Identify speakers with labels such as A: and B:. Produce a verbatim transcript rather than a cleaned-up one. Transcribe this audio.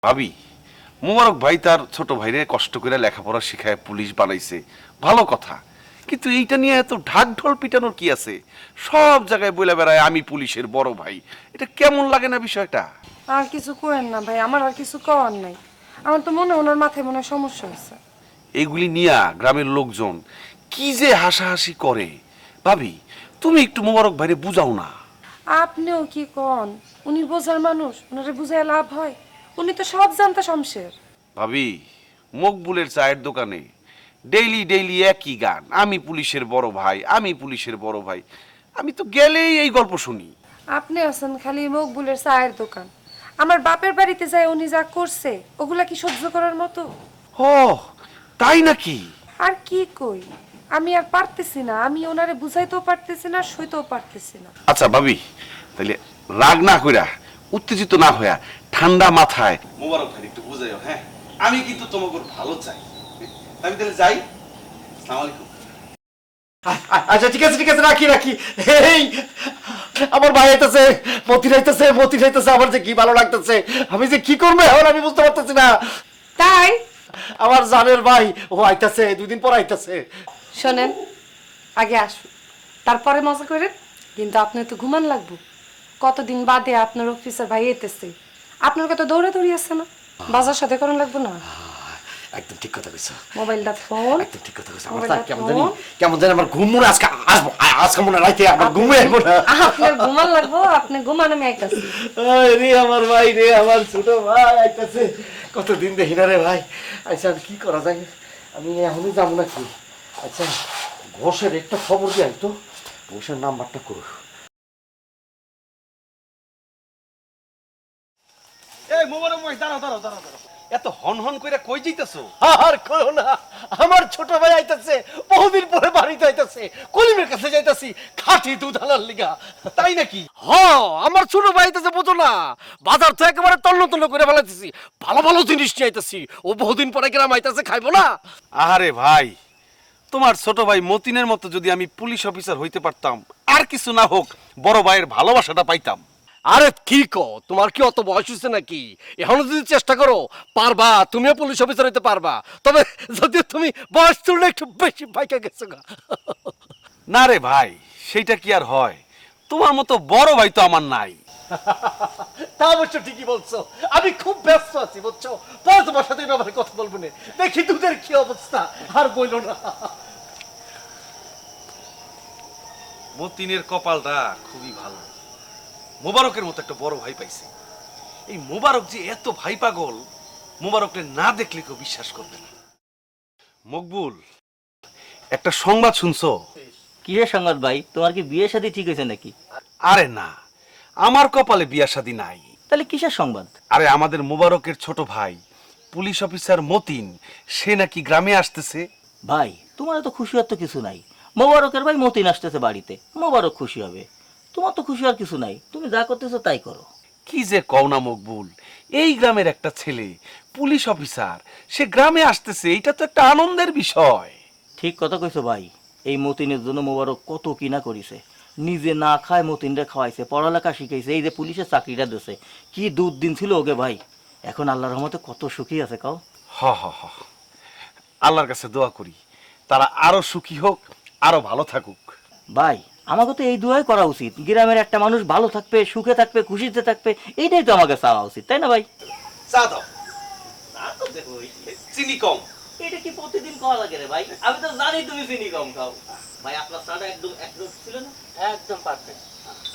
A: ভাবি, মোবারক ভাই তার ছোট ভাইরে কষ্ট করে লেখাপড়া শিখায় পুলিশ বানাইছে, ভালো কথা। কিন্তু এইটা নিয়ে এত ঢাক ঢোল পিটানোর কি আছে? সব জায়গায় বলে বেড়ায় আমি পুলিশের বড় ভাই। এটা কেমন লাগে না বিষয়টা?
B: আর কিছু করেন না ভাই, আমার আর কিছু করার নাই। আমার তো মনে হয় ওনার মাথায় মনে হয় সমস্যা আছে।
A: এগুলি নিয়া গ্রামের লোকজন কি যে হাসাহাসি করে। ভাবি, তুমি একটু মোবারক ভাইরে বুঝাও না।
B: আপনিও কি কন? উনি বোঝার মানুষ, ওনারে বুঝায় লাভ হয়? উনি তো সব জানতা শমশের।
A: ভাবি, মকবুলের চায়ের দোকানে ডেইলি ডেইলি একই গান, আমি পুলিশের বড় ভাই, আমি পুলিশের বড় ভাই। আমি তো গেলেই এই গল্প শুনি।
B: আপনি আছেন খালি মকবুলের চায়ের দোকান। আমার বাপের বাড়িতে যায় উনি যা করছে ওগুলা কি সহ্য করার মতো?
A: ও, তাই নাকি?
B: আর কি কই, আমি আর পারতেছি না। আমি ওনারে বুঝাইতেও পারতেছি না, সইতেও পারতেছি না।
A: আচ্ছা ভাবি, তাহলে রাগ না কইরা, উত্তেজিত না হইয়া, ঠান্ডা মাথায় মোবারক ভাই একটু বুঝাইও। হ্যাঁ, আমি কিন্তু তোমাকে ভালো চাই। আমি তাহলে যাই। আসসালামু আলাইকুম।
C: আচ্ছা ঠিক আছে ঠিক আছে, রাখি রাখি। এই আমার ভাই আইতেছে, মতি আইতেছে, মতি আইতেছে। আমার যে কি ভালো লাগতেছে, আমি যে কি করবো এখন আমি বুঝতে পারতেছি না।
B: তাই
C: আমার জানের ভাই ও আইতেছে, দুই দিন পর আইতেছে।
B: শোনেন, আগে আসুন, তারপরে মজা করেন। কিন্তু আপনার তো ঘুমান লাগবো। কতদিন বাদে আপনার অফিসার ভাই এতেছে, আপনার কত দৌড়াদৌড়ি আছে না? বাজার সাথে করেন লাগবো না?
C: একদম ঠিক কথা কইছো,
B: মোবাইলটা ফোন,
C: একদম ঠিক কথা কইছো। আমার
B: মোবাইলটা
C: না কেমন
B: ফোন।
C: জানি কেমন জানি আমার ঘুম মনে আজকে আসবো, আজকে মনে রাইতে আমার ঘুমে আসবো না।
B: আপনার ঘুমান লাগবো, আপনি ঘুমান, আমি আইতাছি।
C: ওই রে আমার ভাই রে, আমার ছোট ভাই আইতেছে। কতদিন দেখি না রে ভাই। আচ্ছা আর কি করা যায়, আমি এখনই যাবো নাকি? আচ্ছা ঘোষের একটা খবর দিয়ে আইতো, ঘোষের নাম্বারটা করো।
A: এই মোবারক ভাই, দাঁড়াও দাঁড়াও দাঁড়াও দাঁড়াও। এত হন হন কইরা কই যাইতাছো?
C: আর করো না, আমার ছোট ভাই আইতাছে, বহুদিন পরে বাড়িতে আইতাছে, কলিমের কাছে যাইতাছি খাঁটি দুধ আনার লিগা।
A: তাই নাকি?
C: হ, আমার ছোট ভাই আইতাছে, বুঝো না, বাজার তো একেবারে তন্ন তন্ন করে ফেলাইতেছি, ভালো ভালো জিনিস নিয়ে আইতাছি। ও বহুদিন পরে গ্রাম আইতাছে, খাইবো না?
A: আহারে ভাই, তোমার ছোট ভাই মতিনের মতো যদি আমি পুলিশ অফিসার হইতে পারতাম, আর কিছু না হোক বড় ভাইয়ের ভালোবাসাটা পাইতাম।
C: আরে কি কো, তোমার কি অত বয়স হয়েছে নাকি? এখনো যদি চেষ্টা করো পারবা, তুমিও পুলিশ অফিসার হইতে পারবা। তবে যদি তুমি বয়স তুললে একটু বেশি পাইকা গেছো গা।
A: না রে ভাই, সেইটা কি আর হয়? তোমার মতো বড় ভাই তো আমার নাই।
C: তা অবশ্য ঠিকই বলছো, আমি খুব ব্যস্ত আছি বুঝছো। পরে তোমার সাথে এই ব্যাপারে কথা বলবো না। দেখি দুধের কি অবস্থা, আর বইলো না।
A: মতিনের কপালটা খুবই ভালো, মোবারকের মতো একটা বড় ভাই পাইছে। এই মোবারক যে এত ভাই পাগল, মোবারককে না দেখলে কেউ বিশ্বাস করবে না। মকবুল, একটা সংবাদ শুনছো?
D: কিসের সংবাদ ভাই? তোমার কি বিয়ে শাদী ঠিক হয়েছে নাকি?
A: আরে না, আমার কপালে বিয়া শাদী নাই।
D: তাহলে কিসের সংবাদ?
A: আরে আমাদের মোবারকের ছোট ভাই পুলিশ অফিসার মতিন, সে নাকি গ্রামে আসতেছে।
D: ভাই তোমার তো খুশি হওয়ার তো কিছু নাই। মোবারকের ভাই মতিন আসতেছে বাড়িতে, মোবারক খুশি হবে। তোমার তো খুশি হওয়ার কিছু নাই, তুমি যা করতেছো তাই করো।
A: কি যে কও না মকবুল, এই গ্রামের একটা ছেলে পুলিশ অফিসার, সে গ্রামে আসতেছে, এটা তো একটা আনন্দের বিষয়।
D: ঠিক কথা কইছো ভাই। এই মতিনের জন্য মোবারক কত কিনা করিছে, নিজে না খায় মতিনরে খাওয়াইছে, পড়ালেখা শিখাইছে, এই যে পুলিশের চাকরিটা দিছে, কি দুধ দিন ছিল ওকে ভাই। এখন আল্লাহর রহমতে কত সুখী আছে কাও।
A: হ হ হ, আল্লাহর কাছে দোয়া করি তারা আরো সুখী হোক, আরো ভালো থাকুক।
D: ভাই আমাকে তো এই দুয়াই করা উচিত, গ্রামের একটা মানুষ ভালো থাকবে, সুখে থাকবে, খুশিতে থাকবে, এইটাই তো আমাকে চাওয়া উচিত, তাই না ভাই?
A: চা দাও। চিনি কম।
D: এটা কি প্রতিদিন খাওয়া লাগে রে ভাই? আমি তো জানি তুমি চিনি কম খাও। ভাই আপনার চাটা একদম একদম ছিল না?
C: একদম পারফেক্ট।